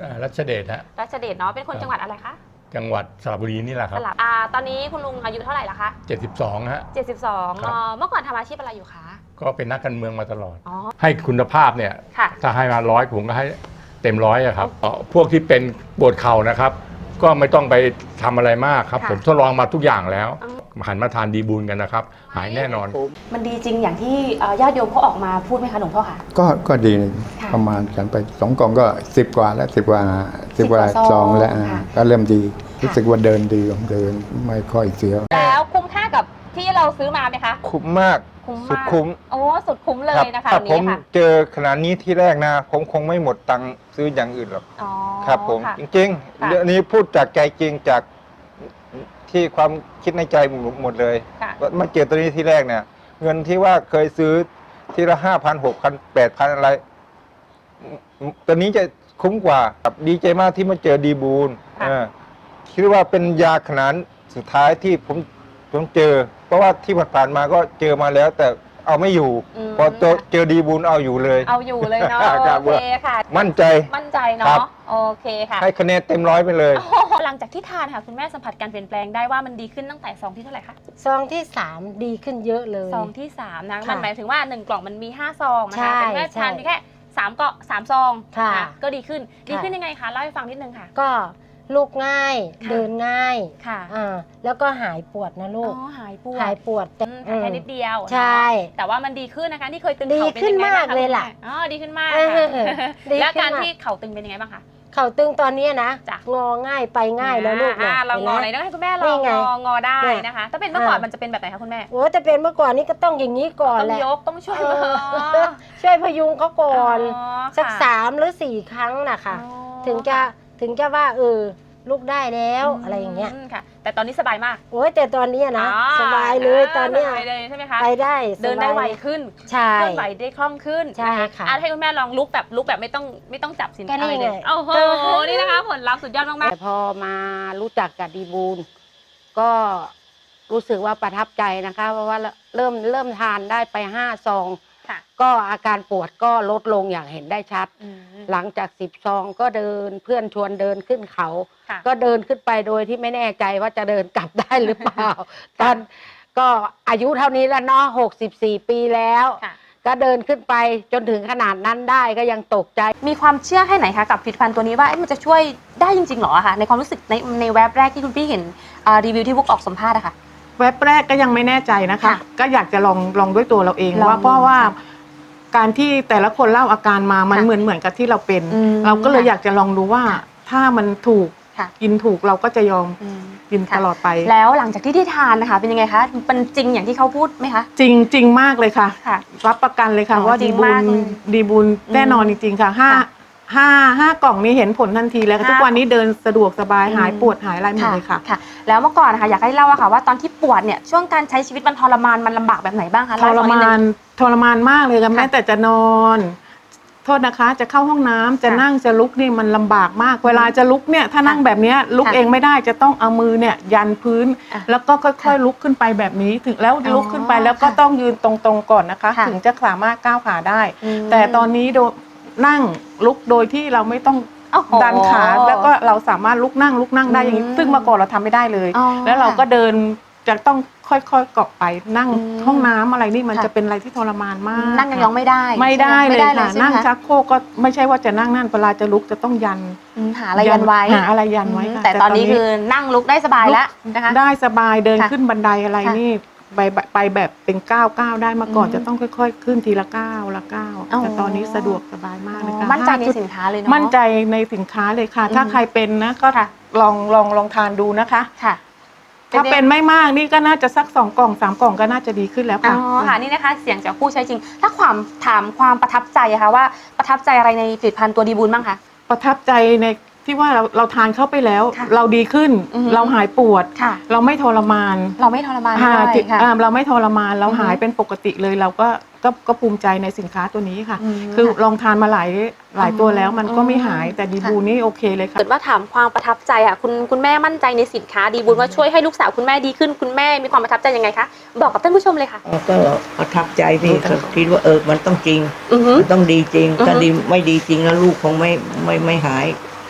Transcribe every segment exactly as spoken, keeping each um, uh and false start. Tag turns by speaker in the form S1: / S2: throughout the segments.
S1: รัชเดชฮะ
S2: รัชเดชเนาะเป็นคนจังหวัดอะไรคะ
S1: จังหวัดสระบุรีนี่แหละครับ
S2: สระอ่าตอนนี้คุณลุงอายุเท่าไหร่ละคะ
S1: เจ็ดสิบสองฮะ
S2: เจ็ดสิบสองเนาะเมื่อก่อนทำอาชีพอะไรอยู่คะ
S1: ก็เป็นนักการเมืองมาตลอด
S2: อ๋อ
S1: ให้คุณภาพเนี่ยถ้าให้มาร้อยผมก็ให้เต็มร้อยอะครับพวกที่เป็นปวดเข่านะครับก็ไม่ต้องไปทำอะไรมากครับผมทดลองมาทุกอย่างแล้วหันมาทานดีบูลกันนะครับหายแน่นอน
S2: มันดีจริงอย่างที่ญาติโยมเขาออกมาพูดไหมคะหลวงพ่อคะ
S3: ก็ก็ดีประมาณกันไปสองกล่องก็สิบกว่าแล้วสิบกว่าสิบกว่าซองแล้วก็เริ่มดีรู้สึกว่าเดินดีเดินไม่ค่อยเสีย
S2: แล้วคุ้มค่ากับที่เราซื้อมาไหมคะ
S4: คุ้มมากสุดคุ้ม
S2: โอ้สุดคุ้มเลยนะคะ
S4: ถ้าผมเจอขนาดนี้ที่แรกนะผมคงไม่หมดตังค์ซื้ออย่างอื่นหรอกครับผมจริงๆเรื่องนี้พูดจากใจจริงจากที่ความคิดในใจหมดเลยมาเจอตัวนี้ที่แรกเนี่ยเงินที่ว่าเคยซื้อทีละห้าพันหกพันแปดพันอะไรตัวนี้จะคุ้มกว่าดีใจมากที่มาเจอดีบูลคิดว่าเป็นยาขนาดสุดท้ายที่ผมผมเจอเพราะว่าที่ผ่านมาก็เจอมาแล้วแต่เอาไม่อยู่พอเจอดีบูลเอาอยู่เลย
S2: เอาอยู่เลยเนาะโอเคค่ะ
S4: มั่นใจ
S2: มั่นใจเนาะโอเคค่ะ
S4: ให้คะแนนเต็มร้อยไปเลย
S2: หลังจากที่ทานค่ะคุณแม่สัมผัสการเปลี่ยนแปลงได้ว่ามันดีขึ้นตั้งแต่ซองที่เท่าไหร่คะ
S5: ซองที่สามดีขึ้นเยอะเลย
S2: ซองที่สามนะมันหมายถึงว่าหนึ่งกล่องมันมีห้าซองนะคะคุณแม่ทานแค่สามเกาะสามซองก็ดีขึ้นดีขึ้นยังไงคะเล่าให้ฟังนิดนึงค่ะ
S5: ก็ลูกง่ายเดินง่าย
S2: ค่ะ
S5: อ่าแล้วก็หายปวดนะลูก
S2: อ๋อหายปวด
S5: หายปวด
S2: แค่นิดเดียว
S5: ใช่
S2: แต่ว่ามันดีขึ้นนะคะที่เคยตึง
S5: เข่าเป็นยังไงบ้างคะดีขึ้นมากเลยล่ะ
S2: อ๋อดีขึ้นมากแล้วการที่เข่าตึงเป็นยังไงบ้างคะ
S5: เข่าตึงตอนนี้นะงอง่ายไปง่ายแล้วลูก
S2: นะเรางอไหนต้องให้คุณแม่ลองงองอได้นะคะถ้าเป็นเมื่อก่อนมันจะเป็นแบบไหนคะคุณแม่
S5: โอ้แต่เป็นเมื่อก่อนนี่ก็ต้องอย่างนี้ก่อนแหละ
S2: ต้องยกต้องช่วย
S5: ช่วยพยุงเขาก่อนสักสามหรือสี่ครั้งนะคะถึงจะถึงจะว่าเออลูกได้แล้วอะไรอย่างเงี้ย
S2: ค่ะแต่ตอนนี้สบายมาก
S5: โอ้ยแต่ตอนนี้นะสบายเลยตอนนี้
S2: ไปเลยใช่ไหมคะ
S5: ไปได้
S2: เดินได้ไวขึ้น
S5: ใช่
S2: เคลื่อนไหวได้คล่องขึ้น
S5: ใช่ค่ะ
S2: ให้คุณแม่ลองลุกแบบลุกแบบไม่ต้องไม่ต้องจับสินอะไรเลยโอ้โหนี่นะคะผลลัพธ์สุดยอดมากๆ
S5: แต่พอมารู้จักกับดีบูลก็รู้สึกว่าประทับใจนะคะเพราะว่าเริ่มเริ่มทานได้ไปห้าซองก็อาการปวดก็ลดลงอย่างเห็นได้ชัดหลังจากสิบซองก็เดินเพื่อนชวนเดินขึ้นเขาก็เดินขึ้นไปโดยที่ไม่แน่ใจว่าจะเดินกลับได้หรือเปล่าตอนก็อายุเท่านี้แล้วเนาะหกสิบสี่ปีแล้วก็เดินขึ้นไปจนถึงขนาดนั้นได้ก็ยังตกใจ
S2: มีความเชื่อแค่ไหนคะกับผลิตภัณฑ์ตัวนี้ว่ามันจะช่วยได้จริงๆหรอคะในความรู้สึกในในแว็บแรกที่คุณพี่เห็นรีวิวที่บุ๊กออกสัมภาษณ์อะค่ะ
S6: แว็บแรกก็ยังไม่แน่ใจนะคะก็อยากจะลองลองด้วยตัวเราเองว่าเพราะว่าการที่แต่ละคนเล่าอาการมามันเหมือนเหมือนกับที่เราเป็นเราก็เลยอยากจะลองดูว่าถ้ามันถูกกินถูกเราก็จะยอมกินตลอดไป
S2: แล้วหลังจากที่ที่ทานนะคะเป็นยังไงคะมันจริงอย่างที่เขาพูดไหมคะ
S6: จริงจริงมากเลยค่ะรับประกันเลยค่ะว่าดีบุญดีบุญแน่นอนจริงๆค่ะห้าห้าห้ากล่องนี้เห็นผลทันทีแล้วทุกวันนี้เดินสะดวกสบายหายปวดหายอะไรหมดเลยค่ะ
S2: ค่ะแล้วเมื่อก่อนนะคะอยากให้เล่าอะค่ะว่าตอนที่ปวดเนี่ยช่วงการใช้ชีวิตมันทรมานมันลำบากแบบไหนบ้างคะ
S6: ทรมานทรมานมากเลยค่ะแม้แต่จะนอนโทษนะคะจะเข้าห้องน้ำจะนั่งจะลุกนี่มันลำบากมากเวลาจะลุกเนี่ยถ้านั่งแบบนี้ลุกเองไม่ได้จะต้องเอามือเนี่ยยันพื้นแล้วก็ค่อยๆลุกขึ้นไปแบบนี้ถึงแล้วลุกขึ้นไปแล้วก็ต้องยืนตรงๆก่อนนะคะถึงจะสามารถก้าวขาได้แต่ตอนนี้โดนั่งลุกโดยที่เราไม่ต้องดันขาแล้วก็เราสามารถลุกนั่งลุกนั่งได้อย่างนี้ซึ่งเมื่อก่อนเราทำไม่ได้เลยแล้วเราก็เดินจะต้องค่อยๆเกาะไปนั่งห้องน้ำอะไรนี่มันจะเป็นอะไรที่ทรมานมาก
S2: นั่งยังไม่ได้
S6: ไม่ได้เลยค่ะนั่งชักโครกก็ไม่ใช่ว่าจะนั่งนั่นเวลาจะลุกจะต้องยัน
S2: หาอะไรยันไว้
S6: หาอะไรยันไว้ค่ะ
S2: แต่ตอนนี้คือนั่งลุกได้สบายแล้วนะคะ
S6: ได้สบายเดินขึ้นบันไดอะไรนี่ไปไปแบบเป็นก้าวก้าวได้มาก่อนจะต้องค่อยๆขึ้นทีละก้าวละก้าวแต่ตอนนี้สะดวกสบายมากเลยค่ะ
S2: มั่นใจในสินค้าเลยเนาะ
S6: มั่นใจในสินค้าเลยค่ะถ้าใครเป็นนะก็ลองลองลองทานดูนะคะ
S2: ค่ะ
S6: ถ้าเป็นไม่มากนี่ก็น่าจะสักสองกล่องสามกล่องก็น่าจะดีขึ้นแล้วค่ะ
S2: อ๋อค่ะนี่นะคะเสียงจากผู้ใช้จริงถ้าความถามความประทับใจอะคะว่าประทับใจอะไรในผลิตภัณฑ์ตัวดีบูลบ้างคะ
S6: ประทับใจในที่ว่าเราเราทานเข้าไปแล้วเราดีขึ้นเราหายปวดเราไม่ทรมาน
S2: เราไม่ทรมานด้วย
S6: ค่ะเราไม่ทรมานเราหายเป็นปกติเลยเราก็ก็ก็ภูมิใจในสินค้าตัวนี้ค่ะคือลองทานมาหลายหลายตัวแล้วมันก็ไม่หายแต่ดีบูลนี่โอเคเลยค่ะ
S2: เกิดว่าถามความประทับใจค่ะคุณคุณแม่มั่นใจในสินค้าดีบูลว่าช่วยให้ลูกสาวคุณแม่ดีขึ้นคุณแม่มีความประทับใจยังไงคะบอกกับท่านผู้ชมเลยค่ะ
S7: ก็ประทับใจพี่คิดว่าเออมันต้องจริงมันต้องดีจริงถ้าดีไม่ดีจริงแล้วลูกคงไม่ไม่ไม่หาย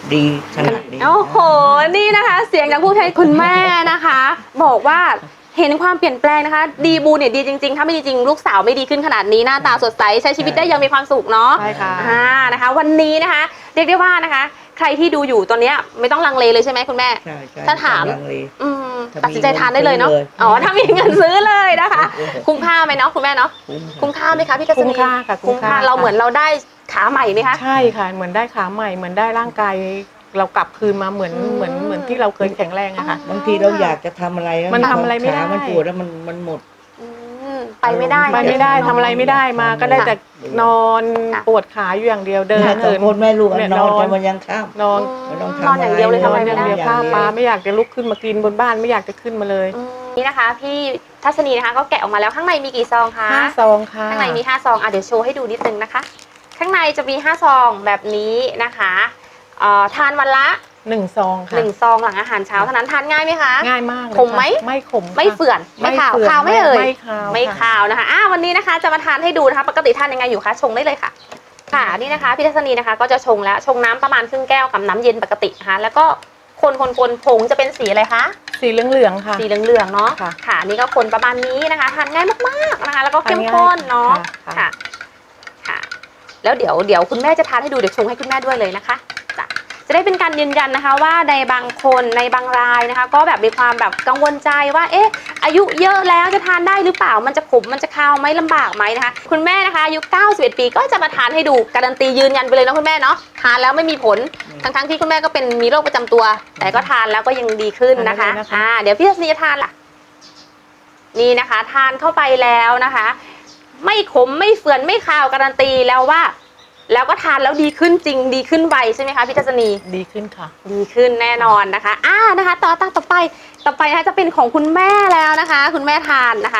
S7: ดีขนาดนี้
S2: โอ้โห นี่นะคะ เสียงจากผู้ใช้คุณแม่นะคะ บอกว่าเห็นความเปลี่ยนแปลงนะคะ ดีบูเนี่ยดีจริงๆ ถ้าไม่ดีจริงลูกสาวไม่ดีขึ้นขนาดนี้หน้าตาสดใสใช้ชีวิตได้อยังมีความสุขเนาะ
S6: ใช่ค่ะ
S2: อ่านะคะ วันนี้นะคะ เรียกได้ว่านะคะ ใครที่ดูอยู่ตอนเนี้ยไม่ต้องลังเลเลยใช่ไหมคุณแม่
S7: ใช่ใช่
S2: ถ้าถาม
S7: ลังเล
S2: อืม
S7: ถ้ามี
S2: ตัดสินใจทานได้เลยเนาะ
S7: เงินซื้อเลย
S2: อ๋อถ้ามีเงินซื้อเลยนะคะ คุ้มค่าไหมเนาะคุณแม่เนาะ
S7: คุ้ม
S2: คุ้มค่าไหมคะพี่กัศนี
S6: คุ้มค่าค่ะคุ้
S2: คุ้ม
S6: ม
S2: ค่า
S6: ค่า
S2: เราเหมือนเราได้ขาใหม่ไหมคะ
S6: ใช่ค่ะ เหมือนได้ขาใหม่เหมือนได้ร่างกายเรากลับคืนมาเหมือน
S2: อืม
S6: เหมือนเหมือนที่เราเคยแข็งแรงอะค่ะ
S7: บางทีเราอยากจะทำอะไรแล้ว
S6: มันทำอะไรไม่ได้
S7: ขามันปวดแล้วมันมันหมด
S2: อืมไปไม่ได้
S6: ไปไม่ได้ทำอะไรไม่ได้มาก็ได้แต่นอน
S2: ค่ะ
S6: ปวดขาอยู่อย่างเดียวเดิน
S7: เนี่ยสอ
S6: เหิ
S7: ง
S6: น
S7: คนแม่ลูกอะ
S6: เนี่ย
S7: นอน
S6: นอน
S7: กันวันยังข้าม
S6: นอน
S7: ไม่ต้อง
S2: น
S7: ทำ
S2: อนอย่างเดียวเลย
S7: อะไร
S2: ทำอะไร
S6: อ
S2: ไม่
S6: ย่าง
S2: ได้
S6: เดียว
S7: อย่าง
S6: ข้าว
S7: เดียว
S6: ปลาไม่อยากจะลุกขึ้นมากินบนบ้านไม่อยากจะขึ้นมาเลย
S2: อืมนี่นะคะ พี่ทัศนีนะคะก็แกะออกมาแล้วข้างในมีกี่ซองคะ
S6: ห้าซองค่ะ
S2: ข้างในมีห้าซองอ่ะเดี๋ยวโชว์ให้ดูนิดนึงนะคะ ข้างในจะมีห้าซองแบบนี้นะคะเอ่อทานวันละ
S6: หนึ่งซองค่ะ
S2: หนึ่งซองหลังอาหารเช้าเท่านั้นทานง่ายไหมคะ
S6: ง่ายมากเลย
S2: ขมไหม
S6: ค่ะไม่ขมค่ะ
S2: ไม่เฝื่อนไม่ขาว
S6: เฝื่อน
S2: ขาวไม่เอ่ย
S6: ไม่ขาว
S2: ไม่
S6: ค่ะ
S2: ขาวนะคะอ่าวันนี้นะคะจะมาทานให้ดูนะคะปกติทานยังไงอยู่คะชงได้เลยค่ะ ค่ะนี่นะคะพี่ทัศนีนะคะก็จะชงแล้วชงน้ำประมาณครึ่งแก้วกับน้ำเย็นปกตินะคะแล้วก็คนคนคนผงจะเป็นสีอะไรคะ
S6: สีเหลืองๆค่ะ
S2: สีเหลืองๆเนาะ
S6: ค่ะ
S2: ค่ะนี่ก็คนประมาณนี้นะคะทานง่ายมากๆนะคะ แล้วก็เข้มข้นเนาะ
S6: ค่ะ
S2: ค่ะค่ะ แล้วเดี๋ยวเดี๋ยวคุณแม่จะทานให้ดูเดี๋ยวชงให้คุณแม่ด้วยเลยนะคะจ้ะจะได้เป็นการยืนยันนะคะว่าในบางคนในบางรายนะคะ ก็แบบมีความแบบกังวลใจว่าเอ๊ะอายุเยอะแล้วจะทานได้หรือเปล่ามันจะขมมันจะคาวไหมลำบากไหมนะคะคุณแม่นะคะอายุเก้าสิบเอ็ดปีก็จะมาทานให้ดูการันตียืนยันไปเลยนะคุณแม่เนาะทานแล้วไม่มีผลทั้งๆที่คุณแม่ก็เป็นมีโรคประจำตัว แต่ก็ทานแล้วก็ยังดีขึ้นนะคะ
S6: ทานได้เลยนะคะ
S2: อ่าเดี๋ยวพี่ทัศนีจะทานล่ะนี่นะคะ ทานเข้าไปแล้วนะคะ ไม่ขมไม่เฟื่อนไม่คาวการันตีแล้วว่า แล้วก็ทานแล้วดีขึ้นจริงดีขึ้นไวใช่ไหมคะพี่ทัศนี
S6: ดีขึ้นค่ะ
S2: ดีขึ้นแน่นอนนะคะอ่านะคะต่อต่อต่อไปต่อไปนะคะจะเป็นของคุณแม่แล้วนะคะ คุณแม่ทานนะคะ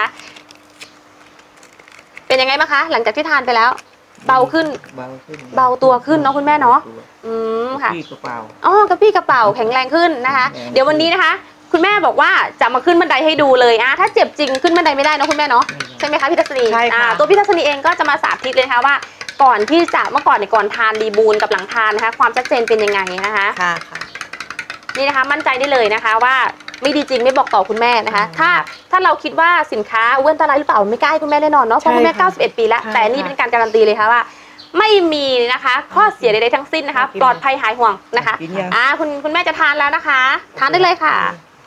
S2: เป็นยังไงบ้างคะ หลังจากที่ทานไปแล้ว เบาขึ้น
S7: เบาขึ้น
S2: เบาตัวขึ้นเนาะคุณแม่เนาะอืมค่ะ
S7: พี่กระเป๋า
S2: อ๋อกระปี้กระเป๋าแข็งแรงขึ้นนะคะ
S7: แข็งแรง
S2: เดี๋ยววันนี้นะคะ คุณแม่บอกว่าจะมาขึ้นบันไดให้ดูเลยอ่ะถ้าเจ็บจริงขึ้นบันไดไม่ได้เนอะคุณแม่เนาะใช่ไหมคะพี่ทัศนี
S6: ใช่ค่ะ
S2: อ่าตัวพี่ทัศนีเองก็จะมาสาธิตเลยนะคะว่า ก่อนที่จะเมื่อก่อนในยก่อนทานดีบูนกับหลังทานนะคะ ความชัดเจนเป็นยังไงนะคะ
S6: ค่ะค่ะ
S2: นี่นะคะมั่นใจได้เลยนะคะว่าไม่ดีจริงไม่บอกต่อคุณแม่นะคะ ถ้าถ้าเราคิดว่าสินค้าอ้วนอันตรายหรือเปล่าไม่กล้าให้คุณแม่แน่นอนเนาะเพราะคุณแม่
S6: ใช่ค่ะ
S2: เก้าสิบเอ็ดปีแล้ว
S6: ใช่
S2: แต่นี่
S6: ค่ะ
S2: เป็นการการันตีเลยค่ะว่า ไม่มีนะคะข้อเสียใดๆทั้งสิ้นนะคะ
S6: กิน
S2: ปลอดภัยหายห่วงนะคะ
S7: กินยัง
S2: อ่าคุณคุณแม่จะทานแล้วนะคะ ทานได้เลยค่ะ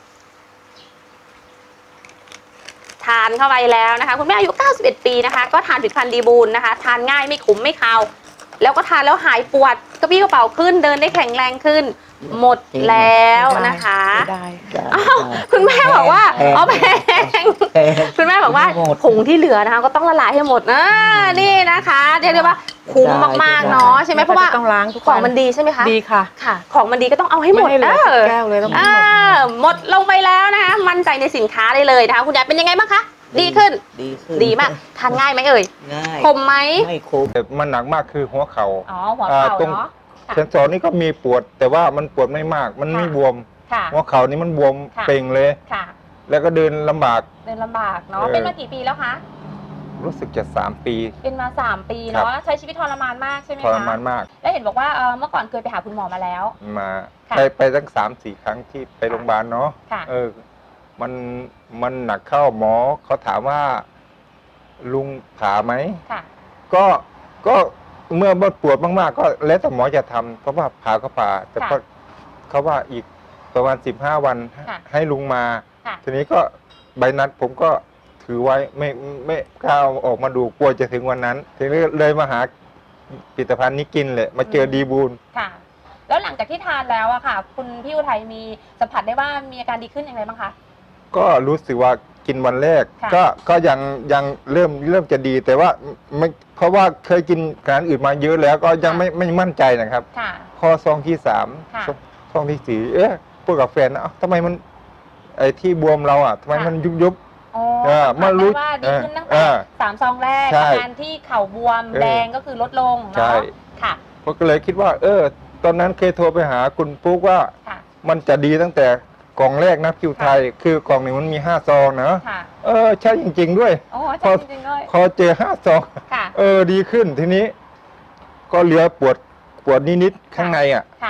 S2: ทานเข้าไปแล้วนะคะ คุณแม่อายุเก้าสิบเอ็ดปีนะคะ ก็ทานผลิตภัณฑ์ดีบูนนะคะ ทานง่ายไม่ขมไม่คาวแล้วก็ทานแล้วหายปวดกระปี้กระเป๋าขึ้นเดินได้แข็งแรงขึ้น หมดแล้วนะคะ
S6: ได้
S2: อ้าวคุณแม่บอกว่าอ๋อแพง
S7: แพง
S2: คุณแม่บอกว่า
S7: หมด
S2: ผงที่เหลือนะคะ ก็ต้องละลายให้หมดนะนี่นะคะเรียกได้ว่าคุ้มมากๆเนาะใช่ไหมเพราะว่า
S6: ต้องล้างทุก
S2: ข
S6: วั
S2: องมันดีใช่ไหมคะ
S6: ดีค่ะ
S2: ค่ะ ของมันดีก็ต้องเอาให้หมด
S6: ไให้เหลื
S2: เอ
S6: อ
S2: อ
S6: แก้วเลยต้องให้
S2: อ่า
S6: หมด
S2: หมดลงไปแล้วนะคะ มั่นใจในสินค้าได้เลยนะคะ คุณยายเป็นยังไงบ้างคะ ดีขึ้น
S7: ดีขึ้น
S2: ดีมาก ทานง่ายไหมเอ่ย
S7: ง่าย
S2: คมไหม
S7: ไม่ขม
S4: แต่มันหนักมากคือหัวเข่า
S2: อ๋อ หัว
S4: อ่า
S2: เข่า
S4: ตรง
S2: เนาะ ค่ะ
S4: เซนสอนนี่ก็มีปวด แต่ว่ามันปวดไม่มาก มันไม่
S2: ค่ะ
S4: บวม
S2: ค่ะ
S4: หัวเข่านี่มันบวม
S2: ค่ะ
S4: เป่งเลย
S2: ค่ะ
S4: แล้วก็เดินลำบาก
S2: เดินลำบากเนาะ
S4: เออ
S2: เป็นมากี่ปีแล้วคะ
S4: รู้สึกจะสามปี
S2: เป็นมาสามปี
S4: ครับ
S2: เนาะ ใช้ชีวิตทรมานมากใช่ไหม
S4: ท
S2: คะ
S4: รมานมาก
S2: แล้วเห็นบอกว่าเอ่อเมื่อก่อนเคยไปหาคุณหมอมาแล้ว
S4: มา
S2: ค่ะ
S4: ไปไปตั้งสามสี่ครั้งที่ไปโรงพยาบาลเนาะ
S2: ค่ะ
S4: เออ มันมันหนักเข้าหมอเขาถามว่า ลุงผ่าไหม
S2: ค่ะ
S4: ก็ก็เมื่อปวดมากๆ ก็แล้วแต่หมอจะทำเพราะว่าผ่าก็ผ่า แต่
S2: ค่ะ
S4: ก็เขาว่าอีกประมาณสิบห้าวัน
S2: ค่ะ
S4: ให้ลุงมา
S2: ค่ะ
S4: ทีนี้ก็ใบนัดผมก็ถือไว้ไม่ไม่กล้าเอาออกมาดูกลัวจะถึงวันนั้น ทีนี้เลยมาหาผลิตภัณฑ์นี้กินเลยมาเจอดีบูล
S2: ค่ะ แล้วหลังจากที่ทานแล้วอะค่ะ คุณพี่อุทัยมีสัมผัสได้ว่ามีอาการดีขึ้นอย่างไรบ้างคะ
S4: ก็รู้สึกว่ากินวันแรก
S2: ค่ะ
S4: ก็ก็ยังยังเริ่มเริ่มจะดีแต่ว่าไม่เพราะว่าเคยกินอาหารอื่นมาเยอะแล้วก็ยังไม่ไม่มั่นใจนะครับ
S2: ค่ะ
S4: พอซองที่สาม
S2: ค่ะ
S4: ซองซองที่สี่เอ๊ะพูดกับแฟนนะเอ้าทำไมมันไอ้ที่บวมเราอ่ะทำไม
S2: ค่ะ
S4: มันยุบยุบ
S2: อ๋อ
S4: เออ
S2: สัมผัส
S4: มารู้
S2: ได้ว่าดีขึ้นตั้ง
S4: เอ
S2: แต่
S4: อ
S2: สามซองแรก
S4: ใช่
S2: อาการที่เข่าบวม
S4: เออ
S2: แดงก็คือลดลง
S4: ใช่
S2: เนาะค่ะ
S4: ผมก็เลยคิดว่า เออ ตอนนั้นเคยโทรไปหาคุณปุ๊กว่า
S2: ค่ะ
S4: มันจะดีตั้งแต่กล่องแรกนะคิวไทย คือกล่องหนึ่งมันมีห้าซองนะ
S2: ค่ะ
S4: เออใช่จริง ๆ ด้วย
S2: โอ้
S4: พ
S2: ใช่
S4: อ
S2: จริงๆเลย
S4: พอเจอห้าซอง
S2: ค่ะ
S4: เออดีขึ้นทีนี้ ก็เหลือปวดปวดนิดๆข้างในอ่ะ
S2: ค่ะ
S4: พ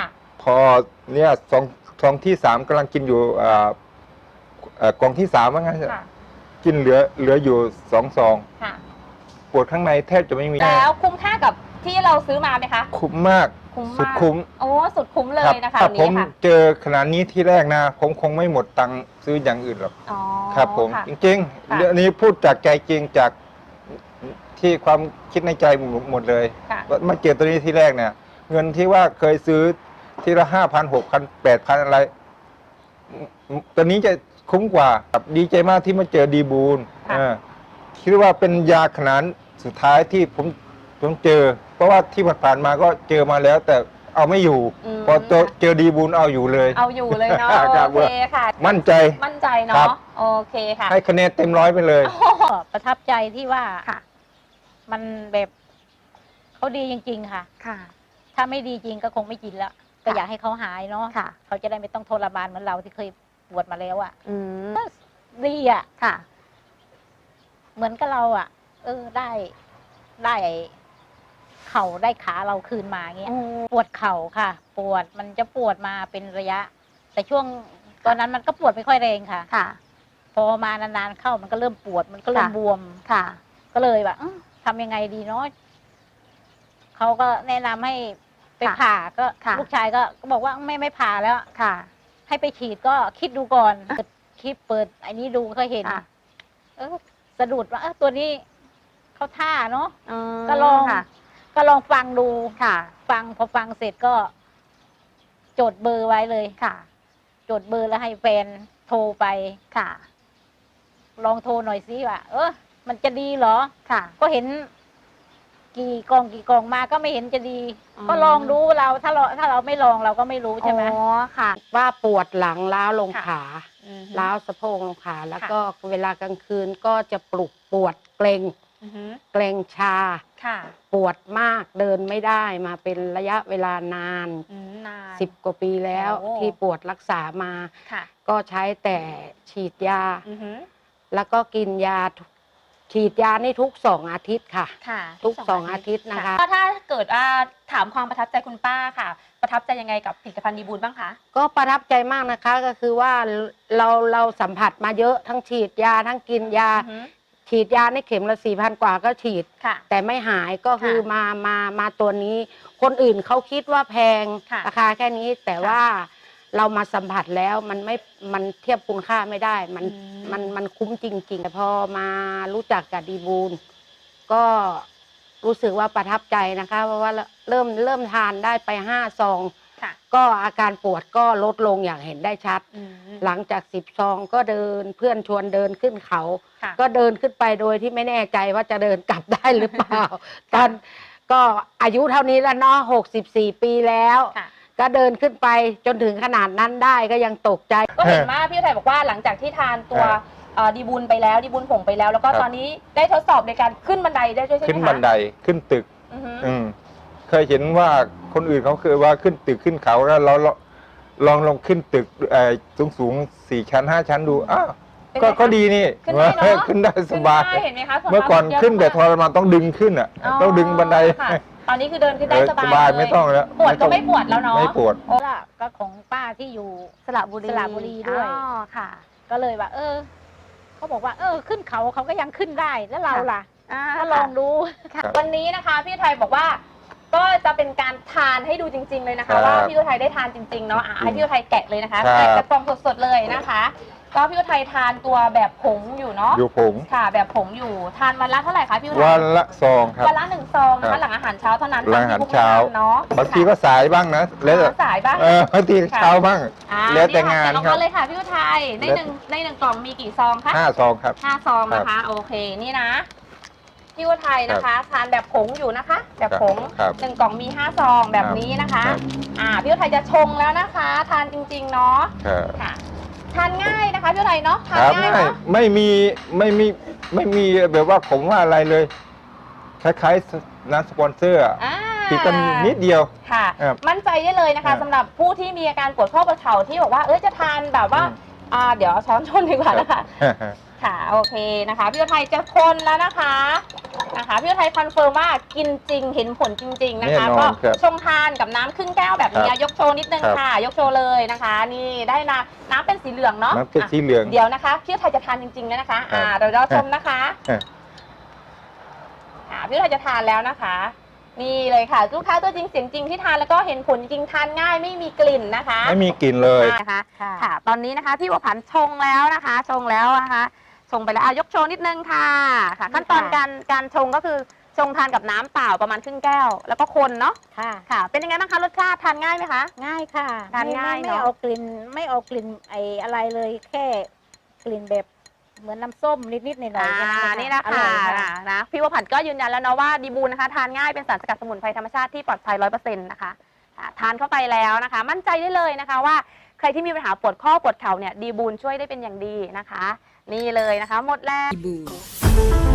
S4: พอเนี่ยสองสองที่สามกำลังกินอยู่อ่าเอ่อกล่องที่สามว่างั้น
S2: ค่ะ
S4: กินเหลือเหลืออยู่สองซอง
S2: ค่ะ
S4: ปวดข้างในแทบจะไม่มี
S2: แล้วคุ้มค่ากับที่เราซื้อมาไหมคะ
S4: คุ้มมาก
S2: คุ้ม
S4: สุด
S2: มาก
S4: คุ้ม
S2: โอ้สุดคุ้มเล
S4: รับ
S2: ยนะคะ
S4: ถ้า
S2: อัน
S4: ผ
S2: นี้
S4: ม
S2: ค่ะ
S4: เจอขนาดนี้ที่แรกนะ ผมคงไม่หมดตังค์ซื้ออย่างอื่นหรอก
S2: อ๋อ
S4: ครับผม
S2: ค่ะ
S4: จริง
S2: ค่ะ
S4: ๆเรื่องนี้พูดจากใจจริงจากที่ความคิดในใจหมดเลย
S2: ค่ะ
S4: ว่ามาเจอตัวนี้ที่แรกเนี่ย เงินที่ว่าเคยซื้อทีละห้าพันหกพันแปดพันอะไรตัวนี้จะคุ้มกว่าครับดีใจมากที่มาเจอดีบูล
S2: ค่ะ
S4: เออคิดว่าเป็นยาขนาดสุดท้ายที่ผมผมเจอ เพราะว่าที่ผ่านๆมาก็เจอมาแล้ว แต่เอาไม่อยู่
S2: ม
S4: พอเจอเจอดีบูลเอาอยู่เลย
S2: เอาอยู่เลยเนาะ
S4: ครับ
S2: โอเคค่ะ
S4: มั่นใจ
S2: มั่นใจ
S4: ครั
S2: เนาะ
S4: บ
S2: โอเคค่ะ
S4: ให้คะแนนเต็มร้อยไปเลย
S8: ก็ประทับใจที่ว่า
S2: ค่ะ
S8: มันแบบเขาดีจริง ๆ ค่ะ
S2: ค่ะ
S8: ถ้าไม่ดีจริงก็คงไม่กินแล้วก็อยากให้เขาหายเนาะ
S2: ค่ะ
S8: เขาจะได้ไม่ต้องทรมานเหมือนเราที่เคยปวดมาแล้วอะ่ะ
S2: อืม
S8: ดีอะ่ะ
S2: ค่ะ
S8: เหมือนกับเราอะ่ะ เออได้ได้เข่าได้ขาเราคืนมาเงี้ยปวดเข่าค่ะ ปวดมันจะปวดมาเป็นระยะ แต่ช่วงตอนนั้นมันก็ปวดไม่ค่อยแรงค่ะ
S2: ค่ะ
S8: พอมานานๆเข้ามันก็เริ่มปวดมันก็เริ่ม
S2: ค่ะ
S8: บวม
S2: ค่ะ
S8: ก็เลยแบบอื้อทำยังไงดีเนาะเขาก็แนะนำให้ไป
S2: ค่ะ
S8: ผ่าก็
S2: ค่ะ
S8: ลูกชายก็ก็บอกว่าไม่ไม่ผ่าแล้ว
S2: ค่ะ
S8: ให้ไปฉีดก็คิดดูก่อนเปิดคลิปเปิดไอ้นี้ดูก็เห็น
S2: ค่ะ
S8: เออสะดุดว่าเออตัวนี้เขาท่าเนาะ
S2: อืม
S8: ก็ลอง
S2: ค่ะ
S8: ก็ลองฟังดู
S2: ค่ะ
S8: ฟังพอฟังเสร็จก็ จดเบอร์ไว้เลย
S2: ค่ะ
S8: จดเบอร์แล้วให้แฟนโทรไป
S2: ค่ะ
S8: ลองโทรหน่อยสิว่าเออมันจะดีเหรอ
S2: ค่ะ
S8: ก็เห็น กี่กล่องกี่กล่องมาก็ไม่เห็นจะดี
S2: อืม
S8: ก็ลองดูเราถ้าเราถ้าเราไม่ลองเราก็ไม่รู้ใช่ไหม
S2: อ๋อค่ะ
S5: ว่าปวดหลังล้าวลง
S2: ค่ะ
S5: ขา
S2: อืม
S5: ล้าวสะโพกลงขาแล้ว
S2: ค่ะ
S5: ก็เวลากลางคืนก็จะปลุกปวดเกรง
S2: อือฮึ
S5: เกรงชา
S2: ค่ะ
S5: ปวดมากเดินไม่ได้มาเป็นระยะเวลานาน
S2: อืมนาน
S5: สิบกว่าปีแล้ว
S2: โอ้
S5: ที่ปวดรักษามา
S2: ค่ะ
S5: ก็ใช้แต่ฉีดยา
S2: อือฮึ
S5: แล้วก็กินยาทุกฉีดยานี่ทุกสองอาทิตย์ค่ะ
S2: ค่ะ
S5: ทุกสองอาทิตย์นะคะ
S2: ก็ถ้าเกิดว่าถามความประทับใจคุณป้าค่ะ ประทับใจยังไงกับผลิตภัณฑ์ดีบูลบ้างคะ
S5: ก็ประทับใจมากนะคะก็คือว่าเราเราสัมผัสมาเยอะทั้งฉีดยาทั้งกินยา
S2: อือฮึ
S5: ฉีดยาในเข็มละสี่พันกว่าก็ฉีด
S2: ค่ะ
S5: แต่ไม่หายก็คือ
S2: ค่ะ
S5: มามามาตัวนี้ คนอื่นเขาคิดว่าแพง
S2: ค่ะ
S5: ราคาแค่นี้แต่
S2: ค่ะ
S5: ว่าเรามาสัมผัสแล้วมันไม่มันเทียบคุณค่าไม่ได้ มัน
S2: อืม
S5: มันมันคุ้มจริงๆแต่พอมารู้จักกับดีบูลก็รู้สึกว่าประทับใจนะคะ เพราะว่าเริ่มเริ่มทานได้ไปห้าซอง
S2: ค่ะ
S5: ก็อาการปวดก็ลดลงอย่างเห็นได้ชัด
S2: อืม
S5: หลังจากสิบซองก็เดินเพื่อนชวนเดินขึ้นเขา
S2: ค่ะ
S5: ก็เดินขึ้นไปโดยที่ไม่แน่ใจว่าจะเดินกลับได้หรือเปล่า ตอนก็อายุเท่านี้แล้วเนาะหกสิบสี่ปีแล้ว
S2: ค่ะ
S5: ก็เดินขึ้นไปจนถึงขนาดนั้นได้ก็ยังตกใจ
S2: ก็เห็นว่าพี่ไทยบอกว่าหลังจากที่ทานตัว
S4: ครับ
S2: เอ่อดีบุญไปแล้วดีบุญผงไปแล้ว แล้วก็
S4: ครับ
S2: ตอนนี้ได้ทดสอบในการขึ้นบันไดได้ด้วยใช่ไหมคะ
S4: ขึ้นบันไดขึ้นตึก
S2: อือฮึ
S4: อืมเคยเห็นว่าคนอื่นเขาเคยว่าขึ้นตึกขึ้นเขาแล้วเราเราลองลองขึ้นตึกสูงสูงๆสี่ชั้นห้าชั้นดูอ้าว
S2: เป็น
S4: ก็
S2: ไงคะ
S4: ก็ดีนี่
S2: ขึ้นได้เนอะ
S4: ขึ้นได้สบาย
S2: ขึ้นได้เห็นไหมคะส่ว
S4: เมื่อก่อน
S2: มาก
S4: ขึ้นแต่ท
S2: เยะ
S4: รมานต้องดึงขึ้นอ่ะ ต้องดึงบันได
S2: ค่ะตอนนี้คือเดินขึ้นได้
S4: เออ
S2: สบาย
S4: สบาย
S2: เลย
S4: ไม่ต้องแล้ว
S2: ปวดก็
S4: ต้อง
S2: ไม่ปวดแล้วเนาะ
S4: ไม่ปวด
S8: โอ้ล่ะก็ของป้าที่อยู่
S2: สระบุรี
S8: สระบุรีด้วย
S2: อ๋อค่ะ
S8: ก็เลยว่า เออเขาบอกว่า เออ ขึ้นเขาเขาก็ยังขึ้นได้แล้วเราล่ะ
S2: อ่า
S8: ก็ลองดู
S2: ค่ะ
S4: ครับ
S2: วันนี้นะคะพี่ไทยบอกว่า ก็จะเป็นการทานให้ดูจริง ๆเลยนะ
S4: ครั
S2: คะ
S4: บ
S2: ว่าพี่ไทยได้ทานจริงๆเนาะอ่ะให้พี่ไทยแกะเลยนะคะ
S4: ครับ
S2: แกะกระป๋องสดๆเลยนะคะ ก็พี่ไทยทานตัวแบบผงอยู่เนาะ
S4: อยู่ผง
S2: ค่ะ แบบผงอยู่ทานวันละเท่าไหร่คะพี่ไทย
S4: วันละซองครับ
S2: วันละหนึ่งซองนะ
S4: ครั
S2: คะ
S4: บ
S2: หลังอาหารเช้าเท่านั้น
S4: หลังอาหาร
S2: ตมที่
S4: เช้า
S2: พวกเนาะ
S4: บางทีก็สายบ้างนะแล้วแต่
S2: ค่ะสายบ้าง
S4: เออบางทีเช้าบ้าง
S2: อ่า
S4: แล้วแต่งาน
S2: นี่
S4: ครั
S2: ค่ะ
S4: บ
S2: แกะออกมาเลยค่ะพี่ไทยในหนึ่งในหนึ่งกล่องมีกี่ซองคะ
S4: ห้าซองครับ
S2: ห้าซองนะคะ โอเคนี่นะพี่วัวไทยนะคะ ทานแบบผงอยู่นะคะ แบบผง
S4: ครับ
S2: หนึ่งกล่องมีห้าซองแบบนี้นะคะ
S4: ครับ
S2: อ่าพี่วัวไทยจะชงแล้วนะคะ ทานจริงๆเนาะ
S4: ครับ
S2: ค่ะ ทานง่ายนะคะพี่วัวไทยเนาะทาน
S4: ครับ
S2: ง่าย
S4: ไม่
S2: เนาะ
S4: ไม่มีไม่มีไม่มีแบบว่าผมว่าอะไรเลย คล้ายๆน้ำสปอนเซอร์อะ
S2: อ่า
S4: ติดกันนิดเดียว
S2: ค่ะ
S4: ครับ
S2: มั่นใจได้เลยนะ
S4: ครั
S2: คะ
S4: บ
S2: สำหรับผู้ที่มีอาการปวดข้อประเข่าที่บอกว่าเอ้ยจะทานแบบว่า
S4: อืม
S2: อ่าเดี๋ยวเอาช้อนชนดีกว่านะคะค่ะโอเคนะคะพี่อุทัยจะคนแล้วนะคะนะคะพี่อุทัยคอนเฟิร์มว่ากินจริงเห็นผลจริง ๆนะคะ
S4: แน่นอน
S2: ก็
S4: ครับ
S2: ชงทานกับน้ำครึ่งแก้วแบบนี้
S4: ครับ
S2: ยกโชว์นิดนึง
S4: ครับ
S2: ค่ะ ยกโชว์เลยนะคะ นี่ได้น้ำน้ำเป็นสีเหลืองเนาะ
S4: น้ำเป็นสีเหลือง
S2: ะเดี๋ยวนะคะพี่อุทัยจะทานจริงๆแล้วนะคะอ่าเราเราชมนะคะ
S4: ครับ
S2: อ่าพี่อุทัยจะทานแล้วนะคะ นี่เลยค่ะลูกค้าตัวจริงเสียงจริงที่ทานแล้วก็เห็นผลจริงทานง่ายไม่มีกลิ่นนะคะ
S4: ไม่มีกลิ่นเลย
S2: นะคะ
S8: ค่ะ
S2: ค่ะ ตอนนี้นะคะพี่บัวผันชงแล้วนะคะ ชงแล้วนะคะ ชงไปแล้วอ่ะยกโชว์นิดนึงค่ะค่ะ ขั้นตอนการการชงก็คือชงทานกับน้ำเปล่าประมาณครึ่งแก้ว แล้วก็คนเนาะ
S8: ค่ะ
S2: ค่ะ เป็นยังไงบ้างคะรสชาติทานง่ายไหมคะ
S8: ง่ายค่ะ
S2: ทาน
S8: ไม่
S2: ง่าย
S8: ไม่
S2: เนอะ
S8: ไม่เอากลิ่นไม่เอากลิ่นไออะไรเลยแค่กลิ่นแบบเหมือนน้ำส้มนิดๆหน่อยๆ
S2: อ่า
S8: แค่
S2: นี่
S8: เอง
S2: นะ
S8: อ
S2: คะ
S8: ร่อยค่ะ
S2: นะพี่บัวผันก็ยืนยันแล้วเนาะว่าดีบูนนะคะทานง่ายเป็นสารสกัดสมุนไพรธรรมชาติที่ปลอดภัยร้อยเปอร์เซ็นต์นะคะอ่าทานเข้าไปแล้วนะคะ มั่นใจได้เลยนะคะว่าใครที่มีปัญหาปวดข้อปวดเข่าเนี่ยดีบูนช่วยได้เป็นอย่างดีนะคะ นี่เลยนะคะ หมดแล้ว